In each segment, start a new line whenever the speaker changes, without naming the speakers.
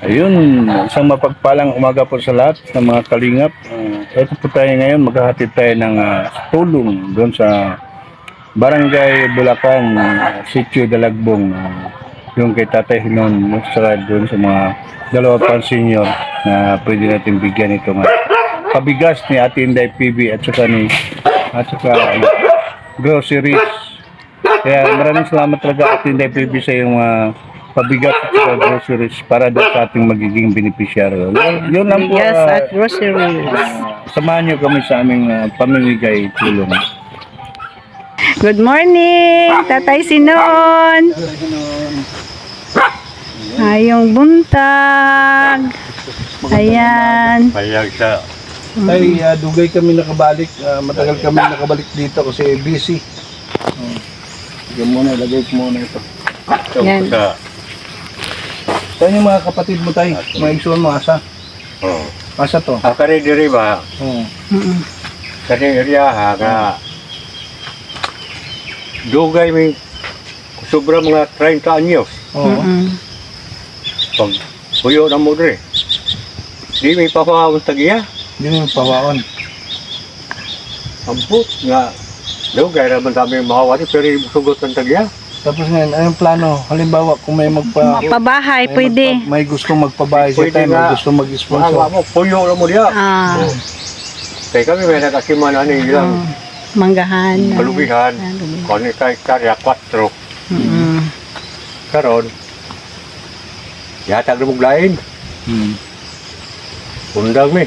Ayun, isang mapagpalang umaga po sa lahat ng mga kalingap. Ito po tayo ngayon, maghahatid tayo ng tulong doon sa Barangay Bulacan, Sitio Dalagbong. Yung kay Tatay Hinon, doon sa mga dalawa pang senior na pwede natin bigyan ito nga. Pabigas ni Ate Inday PB at saka groceries. Kaya maraming salamat talaga Ate Inday PB sa yung pabigat at groceries para daw sa ating magiging beneficiaryo. Yun lang po.
Bigas at groceries.
Samahan niyo kami sa aming pamimigay tulong.
Good morning, Tatay Sinon. Ayong buntag. Ayan.
Payag sa
Tay, dugay kami nakabalik. Matagal kami nakabalik dito kasi busy. Sige muna, lagay ko muna ito.
Yan.
sa
Saan yung mga kapatid mo tay? Mga igsoon mo, asa?
oh.
Asa to?
Akari diri ba
Mm-mm.
sa area ha nga dugay may sobra mga 30 anyos
Oo.
Mm-mm.
pag puyo na mo diri. Di may papawon tagiya.
Hindi mo yung pawaon.
Ambot nga dugay raman kami mawari pero sugot ang tagiya.
Tapos ngayon, anong plano? Halimbawa, kung may
Pabahay, pwede.
may gustong magpabahay sa
Pwede
tayo, may
nga.
gustong
Mga
mag-sponsor.
mo puyo na mo diya.
Ah,
Kaya kami may nagasiman ani ilang
manggahan.
kalubihan. Kani kay karya 4
Mm-mm.
karon. Yatag na muglain.
Hmm.
Undang mi.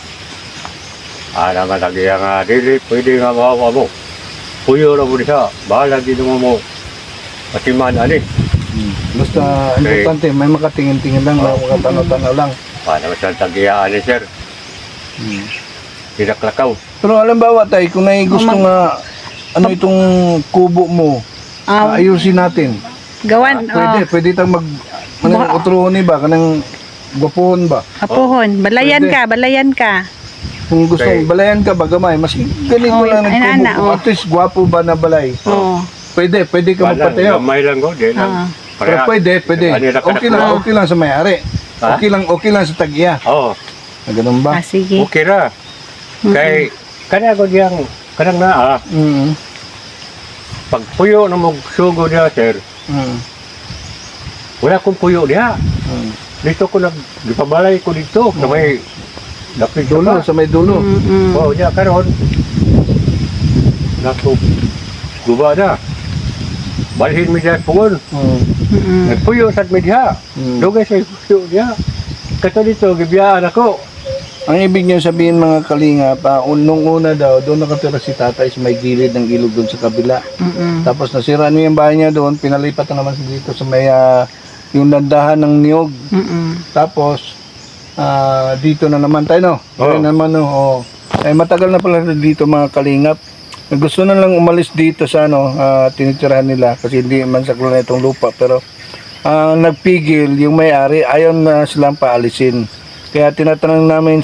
Naman lagi nga dili pwede nga mawawa mo. Puyo na mo diha. Bahala din mo patiman ani.
Basta,
Okay.
importante, may makatingin-tingin lang, makatanaw-tanaw lang.
Paano sa tagiya ani sir? Tidak lakaw.
Pero halimbawa tayo, kung may gusto nga, ano itong kubo mo, ayusin natin.
Gawan,
Pwede tayong manang utruhon ba, kanang gwapuhon ba?
apuhon. Balayan
Pwede.
ka, balayan ka.
Kung gusto
Okay.
balayan ka ba, gamay, mas ganito
Oh,
lang
ay,
ng
ana,
kubo.
oh.
At least, gwapo ba na balay?
Oo.
Pwede ka magpatayo.
Gamay lang ko din.
Pero pwede. Okay lang sa may-ari.
Ha?
Okay lang sa tagya.
Oh,
Ganun ba?
Ah, sige.
okay ra. Kay kana ko diyang kanang naa
Mm.
pag puyo na mo sugo diha sir.
Mm.
Wala kong puyo diha.
Mm.
Dito ko gipabalay ko dito na may dapit
Dulo, sa may dulo.
Mm-mm.
Oh, ya karon. Naku. Guba na. Balhin mi diha pungon.
Mm.
Mm-mm.
Nagpuyo sa media.
Mm.
Dugay sa puyo diha. Kato dito gibiyaan ako.
Ang ibig niyo sabihin mga kalinga, nung una daw, doon nakatira si tatay sa may gilid ng ilog doon sa kabila.
Mm-mm.
Tapos nasira niya yung bahay niya doon, pinalipat na naman siya dito sa may yung landahan ng niyog.
Mm-mm.
Tapos dito na naman tayo, no?
Oo.
Ayun naman, no? Oh. Eh, matagal na pala dito mga kalingap. Gusto na lang umalis dito sa tinitirahan nila kasi hindi man saklo na itong lupa. Pero nagpigil yung may-ari, ayaw na silang paalisin. Kaya tinatanong namin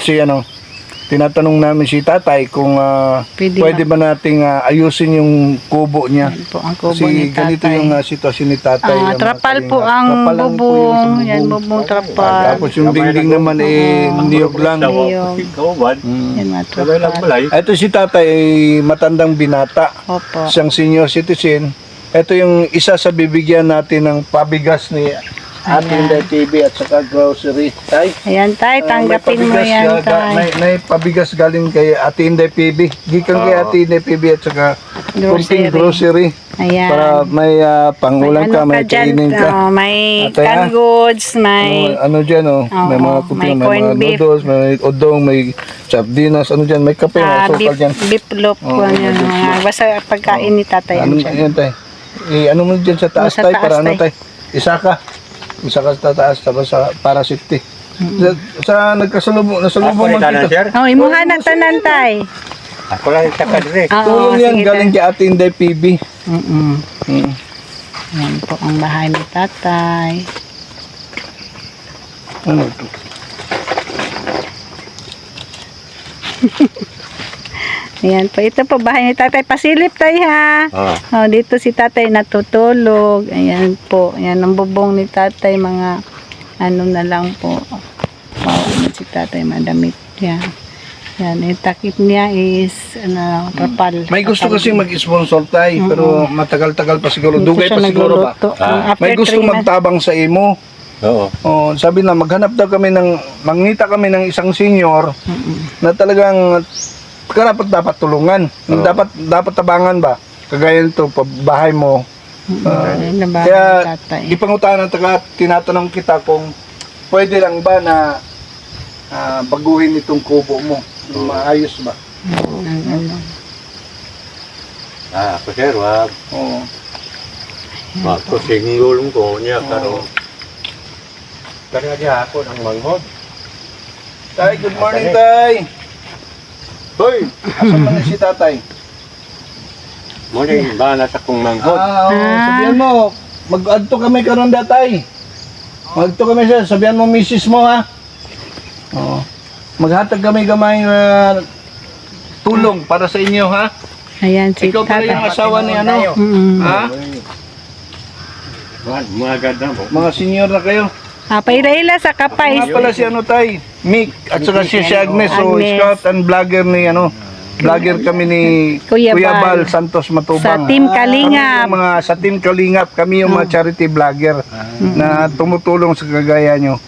si tatay kung pwede ba nating ayusin yung kubo niya.
Yan po ang kubo
Kasi
ni
ganito
tatay.
yung sitwasyon ni tatay. mga
Trapal po
kalingap.
ang
Trapal lang po yung sa
bubong. Yan, bubong trapal.
Tapos yung dingding naman niyog lang.
Niyog.
Kauban.
Yan, mga
Sabay lang
trapal.
balay.
Ito si tatay ay matandang binata.
Opo.
Siyang senior citizen. Ito yung isa sa bibigyan natin ng pabigas ni Ate Inday TV at saka grocery. Tay,
Ayan, tay, tanggapin mo
may pabigas,
yan, tay.
may pabigas galing kay Ate Inday PB. Gikan kay Ate Inday PB at saka kunting grocery.
Ayan.
Para may pangulam ka, may
dyan,
kainin ka.
may
Ate,
canned goods, may...
Ano dyan, may mga
Oo,
kuting,
may
may
corned
mga
beef.
noodles, may odong, may sardinas, ano dyan, may kape, may asukal dyan.
beef loaf
Oo,
po yan. Basta pagkain ni tatay.
Ano
yan dyan.
yan, tay? Ano mo dyan sa taas,
Sa
tay?
taas,
Para ano,
tay.
tay? Isa ka sa taas, tapos para safety. Sa nagkasalubong, nasalubong
Ako ni
man
tanan
dito.
sir.
Oh, imuha na tanan, tay.
Ako lang sa kadre.
Oo,
Tulong yan,
sige,
galing
tay.
kay Ate Inday PB.
Mm-mm.
Hmm.
Yan po ang bahay ni tatay.
Ano to?
Ayan po. Ito po bahay ni tatay. Pasilip tayo ha. Oh, dito si tatay natutulog. Ayan po. Ayan ang bubong ni tatay. Mga ano na lang po. Ano si tatay, madamit niya. Yan, yung takip niya is, trapal.
May gusto kasi mag-sponsor tayo, pero matagal-tagal pa siguro.
Dito
Dugay
siya
pa siguro ba?
nagluluto. After
May gusto
3 months.
magtabang sa imo.
Oo.
Oh, sabi na maghanap daw kami mangita kami ng isang senior na talagang dapat tulungan.
Oo.
Dapat tabangan ba? Kagaya nito, bahay mo.
Ayun na ba,
Kaya
tatay?
ipangutahan tinatanong kita kung pwede lang ba na baguhin itong kubo mo. Maayos ba?
Ano.
Ako sir, wag.
Oo.
Singgol ko niya karon. Kaya niya ako ng manghod.
Tay, good morning, Tay.
Hoy!
Asan man si Tatay?
Muna yung bana sa kong manghod.
Sabihan mo, mag-adto kami karon datay. Mag-adto kami siya, sabihan mo misis mo ha. Oo. Maghatag kami gamay tulong para sa inyo ha.
Ayan si
Ikaw pala
tatay.
yung asawa ni ano?
Mm.
Ha?
Mga ganda mo.
Mga senior na kayo.
Paila-ila sa kapay.
Nga pala si ano Tay, Mick at saka si Agnes, so
Agnes.
scout and vlogger ni vlogger kami ni
Kuya
Bal
Bal.
Santos Matubang.
Sa Team Kalingap.
Kami yung sa Team Kalingap, kami yung mga charity vlogger na tumutulong sa kagaya nyo.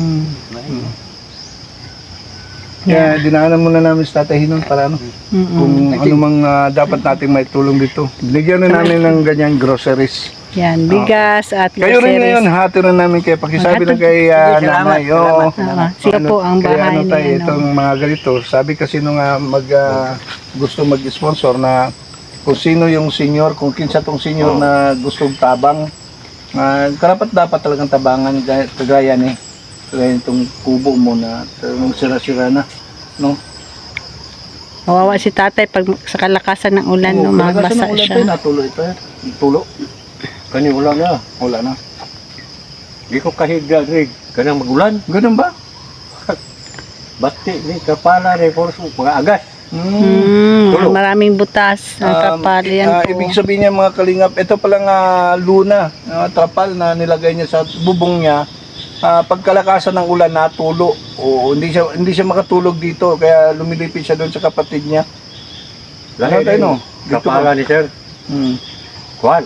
Kaya dinaanan muna namin sa Tatay Hinon para kung ano mang dapat nating may tulong dito. Binigyan na namin ng ganyan groceries.
Yan, bigas at
Kayo rin ngayon,
groceries.
hati rin namin kayo. Pakisabi lang kay nanay.
Siya po ang bahay
Tayo,
ni
itong mga ganito. Sabi kasi nung gusto mag-sponsor na kung sino yung senior, kung kinsa tong senior na gustong tabang, karapat dapat talagang tabangan kagaya ni kagaya itong kubo mo na talagang sira-sira na. No?
Kawawa si tatay pag sa kalakasan ng ulan, no, magbasa siya.
Natuloy pa. Tulo.
Kani wala na.
Wala na.
Di ko kahigda rin. Kanang magulan.
Ganun ba?
Bati ni kapala ni Forso. Mga agas. Tulo.
Maraming butas ang trapal. Yan po.
Ibig sabihin niya mga kalingap, ito palang luna, trapal na nilagay niya sa bubong niya. Pagkalakasan ng ulan natulo. O hindi siya makatulog dito kaya lumilipit siya doon sa kapatid niya.
Lahat
tayo, no? Dito
kapala
ba?
ni sir.
Hmm.
Kuan.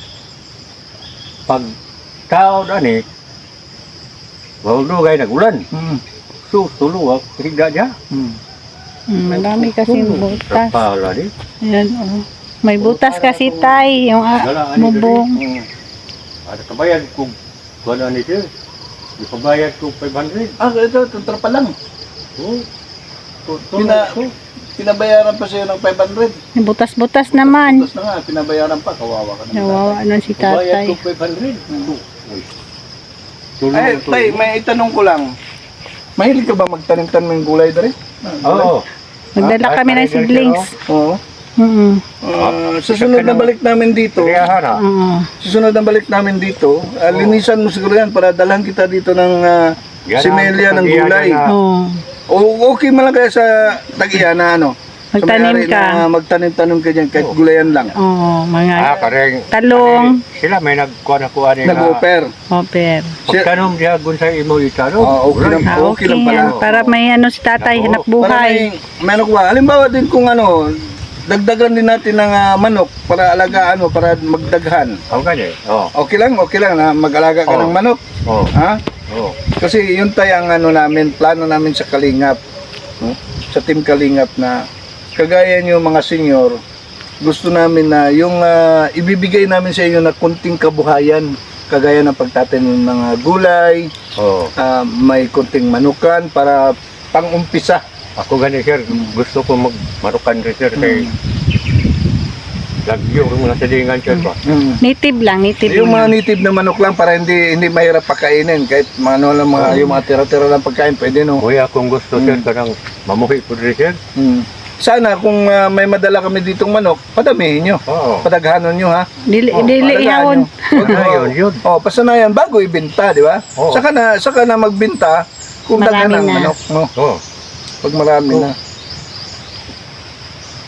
Pag tao na ni, wala nagulan.
Hmm.
So, tuluwag, higda niya.
Hmm.
Marami kasing butas.
Kapala ni.
Ayan, oh. May butas kasi tay, yung bubong.
Hmm.
Ada kabayad kung wala ni sir. Ipabayad ko 500.
Ito trapal lang.
Oh.
Pinabayaran pa siya ng 500.
May butas-butas naman.
Tapos na nga, pinabayaran pa, kawawa ka na.
Nawawa nun si
Ipabayad
tatay.
ko 500.
Ay, tay, may itanong ko lang. Mahilig ka ba magtanim-tanim ng gulay dere?
Oo.
Magdala kami ng seedlings.
Oo. Susunod na balik namin dito.
Kaya hana.
Susunod na balik namin dito. Linisan mo siguro yan para dalhan kita dito ng simelya ng gulay. O okay man lang kaya sa tag-iya na ano.
Magtanim
Sa may-ari
ka.
na magtanim-tanim ka dyan kahit gulayan lang.
Oo, mga
Kareng.
talong.
Sila may nagkuha na kuha nila.
Nag-offer.
Hopper.
Pagkanom diya gun sa imo itanong.
Okay lang. Okay lang pala.
yan. Para may ano si tatay, hanap
Para
buhay.
may ano ba? Halimbawa din kung ano, dagdagan din natin ng manok para alagaan mo, para magdaghan.
Ang kanya.
Okay lang na mag-alaga ka ng manok.
Oh.
Ha?
Oh.
Kasi yun tayo ang ano namin, plano namin sa Kalingap. No? Sa Team Kalingap na kagaya nyo mga senior, gusto namin na yung ibibigay namin sa inyo na kunting kabuhayan, kagaya ng pagtatanim ng mga gulay,
Oh.
may kunting manukan para pang-umpisa.
Ako gani sir, gusto ko magmarukan rin sir kay lagyo ng mga silingan sir ba.
Native lang, native
Yung mga
lang.
native na manok lang para hindi mahirap pakainin, kahit mga ano lang yung mga tira-tira lang pagkain pwede no.
Kuya kung gusto sir kanang mamuhi po rin sir.
Sana kung may madala kami ditong manok, padamihin nyo.
Oo.
Padaghanon nyo ha.
Dili
Palagaan
ihawon.
nyo.
Yun.
Pasanayan bago ibenta, di ba?
Oo.
Saka na magbenta kung
Marami
daghan ang
na.
manok, no?
Oh.
Pag marami na.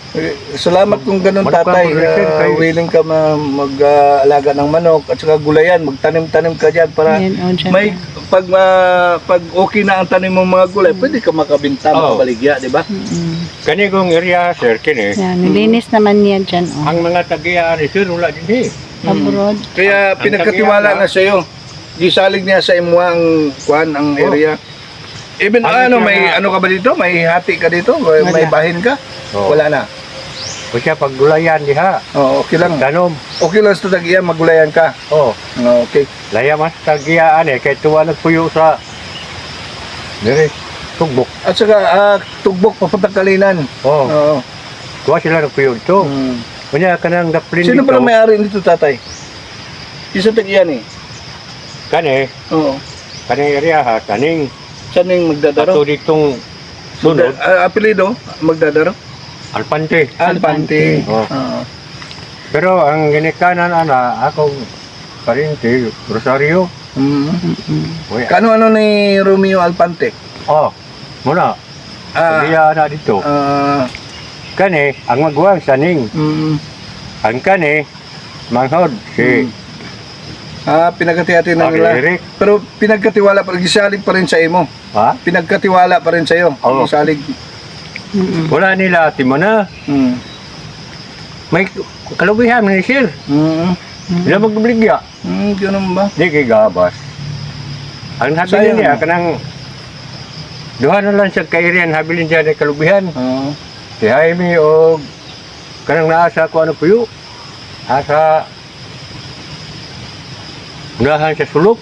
Salamat kung ganun,
Manok ka,
tatay.
mag-reserve kayo.
Willing ka mag-alaga ng manok at saka gulayan, magtanim-tanim ka dyan para
Yan, oh, dyan.
may pag okay na ang tanim mong mga gulay, pwede ka makabinta,
Oo.
makabaligya, di ba?
Kani kong area, sir, kini.
Yan, nilinis naman niya dyan. Oh.
Ang mga tagiya ni sir, wala din
Abroad.
Kaya
Ang
pinagkatiwala
tagiya
na sa iyo. Gisalig niya sa imo ang kuan ang
Oh.
area. Even
Ano siya
may
na-
ano ka ba dito? May hati ka dito? May
Wala.
bahin ka?
Oo.
Wala na.
O siya, paggulayan diha.
Oh, okay lang.
Tanom.
Okay lang sa tagiya, magulayan ka.
Oh,
Oh, okay.
laya mas tagiyaan kay tuwa nagpuyo sa dire tugbok.
At saka tugbok papunta Kalinan.
Oh,
Oo.
tuwa sila nagpuyo to.
Mm.
Kunya kanang daplin
Sino
dito.
pala may-ari nito, tatay? Isa tagiya ni.
Kani,
Oo.
kani area ha, kaning
Saan yung magdadaro?
ato ditong sunod,
Apelido? Magdadaro?
Alpante.
Alpante.
Oh.
Oo.
Pero ang ginikanan ana akong parinti Rosario.
Mm.
Uy,
Kano-ano ni Romeo Alpante?
oh, muna.
Ah,
Kaya na dito. Kani ang magwang saning.
mm,
Ang kani manghod si
pinagkati-hati na
Paki
nila.
Eric.
Pero pinagkatiwala pa rin, gisalig pa rin sa imo.
Ha?
Pinagkatiwala pa rin sa iyo.
Oo.
Gisalig.
Wala nila timona.
Mm.
May kalubihan ni sir.
Mm.
Sila magbligya.
Ganun ba?
Di kay gabas. Ang
Sayang
habilin niya
mo.
kanang duha na lang sa kairian habilin siya ni kalubihan.
Oo.
Si Jaime o kanang naasa ko ano puyo. Asa unahan sa sulok.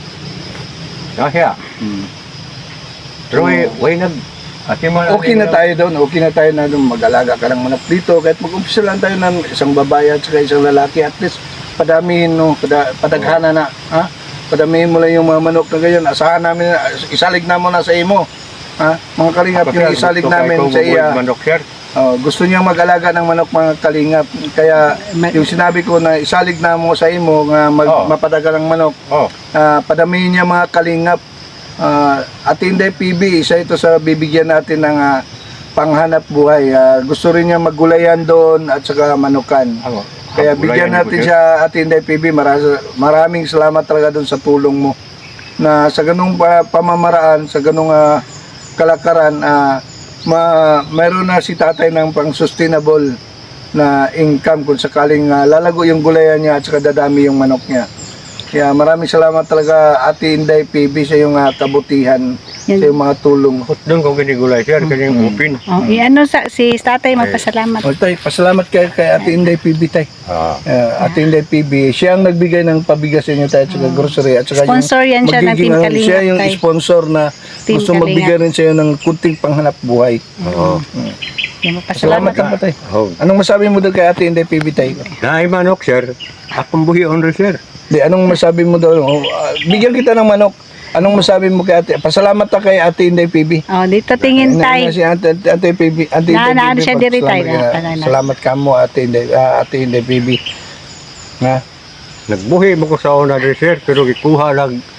Nasya.
Mm.
Pero way nag ati mo
Okay na tayo doon. Okay na tayo na doon. Mag-alaga ka ng manok dito. Kahit mag-umpisa lang tayo ng isang babae at saka isang lalaki. At least padamihin, no? Padaghana na. Ha? Padamihin mo lang yung mga manok na ganyan. Asahan namin, isalig na mo na sa imo. Ha? Mga kalingap, yung isalig namin sa iya.
Manok sir.
Gusto niyang mag-alaga ng manok, mga kalingap. Kaya yung sinabi ko na isalig na mo sa imo, nga
Oo.
mapadaga ng manok,
Oh,
padamihin niya mga kalingap. At hindi PB, isa ito sa bibigyan natin ng panghanap buhay. Gusto rin niya maggulayan doon at saka manukan.
ako.
Kaya bigyan natin siya at hindi PB. Maraming salamat talaga doon sa tulong mo. Na sa ganung pamamaraan, sa ganung kalakaran, mayroon na si tatay ng pang-sustainable na income kung sakaling lalago yung gulayan niya at saka dadami yung manok niya. Kaya maraming salamat talaga Ate Inday PB sa iyong kabutihan,
Yan.
sa iyong mga tulong.
Doon ko ginigulay sir, kanyang upin.
Oh, ano si tatay magpasalamat.
O tay, pasalamat kay Ate Inday PB tay. Ate Inday PB, siya ang nagbigay ng pabigas sa inyo tayo at saka grocery at saka
Sponsor yan siya ng
magiging,
Team Kalingap,
siya yung
tay.
sponsor na
Team
gusto
Kalingap.
magbigay rin sa iyo ng kunting panghanap buhay.
Oo.
Yan,
Salamat
magpasalamat.
ka tay.
Oh.
Anong masabi mo doon kay Ate Inday PB tay?
Naay manok sir, akong buhi on sir.
Di, anong masabi mo doon? Bigyan kita ng manok. Anong masabi mo kay Ate? Pasalamat ka kay Ate Inday PB.
Oh, dito tingin tay.
Si Ate PB, Ate Inday
Naan
PB,
siya diri, tay.
pasalamat ka. Salamat ka mo Ate Inday PB. Ha?
Nagbuhi mo ko sa una rin sir, pero gikuha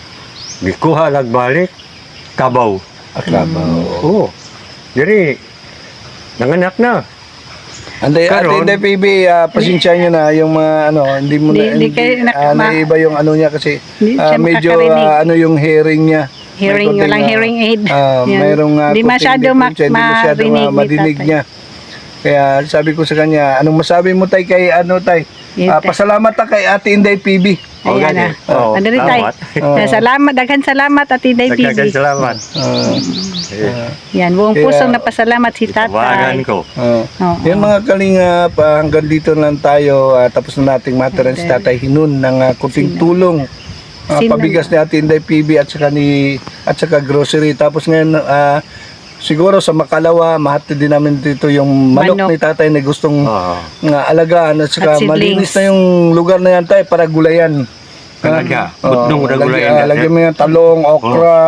lag balik, kabaw.
Aklabaw.
Oo. Diri, nanganak na.
Ate
Karon-
Inday PB, pasensya nyo na yung mga hindi mo na
Hindi kayo
naiba yung ano niya kasi
Hindi siya
medyo
makakarinig.
yung hearing niya.
Hearing,
May
walang
konting,
hearing aid. Yan.
mayroong
Di
konting
masyado
diferensya, hindi masyado
marinig ni
madinig
tatay.
niya. Kaya sabi ko sa kanya, anong masabi mo tay kay tay?
Yes, tay.
Pasalamat ta kay Ate Inday PB.
Ayan na.
Oo,
Ano rin tay?
salamat.
Salamat, daghan salamat at Inday
Nagkagan
PB.
salamat.
Yan, buong
Kaya-
pusong napasalamat si
Tawagan
tatay.
ko.
Oo.
Yung mga kalingap, hanggang dito lang tayo. Tapos na nating materan si Tatay Hinun ng kunting tulong. Pabigas ni Ate Inday PB at saka grocery. Tapos ngayon, siguro sa Makalawa, mahati din namin dito yung manok
Manok.
ni Tatay na gustong
Oo.
alagaan at saka
At siblings.
malinis na yung lugar na yan tayo para gulayan.
Talaga, butnong na gulayan yan,
Lagyan
sir.
mo yung talong, okra,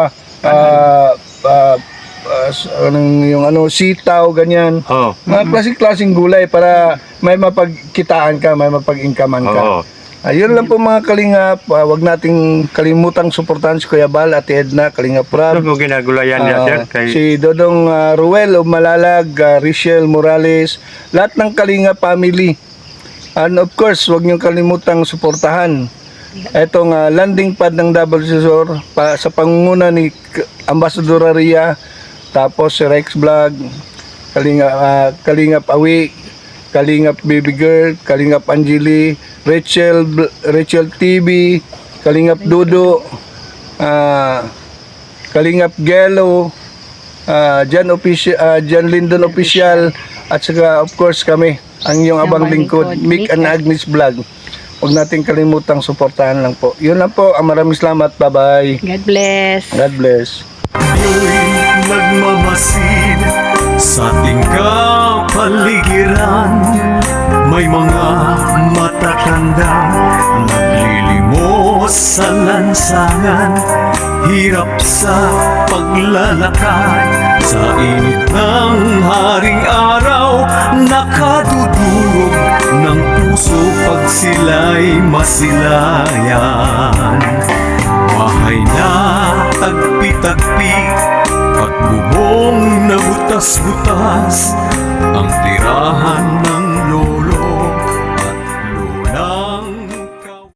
yung sitaw, ganyan.
Oo.
Mga klaseng-klaseng gulay para may mapagkitaan ka, may mapag-inkaman ka.
Oo.
Ayun lang po mga kalingap. Wag nating kalimutang suportahan si Kuya Bal at Edna, Kalingap
Ano
Rab.
po ginagulayan niya, sir? Kay
Si Dodong Ruel of Malalag, Richelle Morales, lahat ng Kalingap family. And of course, wag niyong kalimutang suportahan etong landing pad ng Double Scissor sa pangunguna ni Ambassador Aria, tapos si Rex Vlog, Kalingap Awi, Kalingap Baby Girl, Kalingap Angeli, Rachel TV, Kalingap Dodo, Kalingap Gelo, Jan Lindon Official, at saka of course kami, ang iyong abang lingkod, Mick and Agnes Vlog. Huwag nating kalimutang suportahan lang po. Yun lang po. Maraming salamat. Bye-bye.
God bless.
God bless.
Ako'y nagmamasid sa ating kapaligiran. May mga matatandang naglilimos sa lansangan. Hirap sa paglalakad sa init ng haring araw. Nakadudurog ng puso pag sila'y masilayan. Bahay na tagpi-tagpi at bubong na butas-butas ang tirahan ng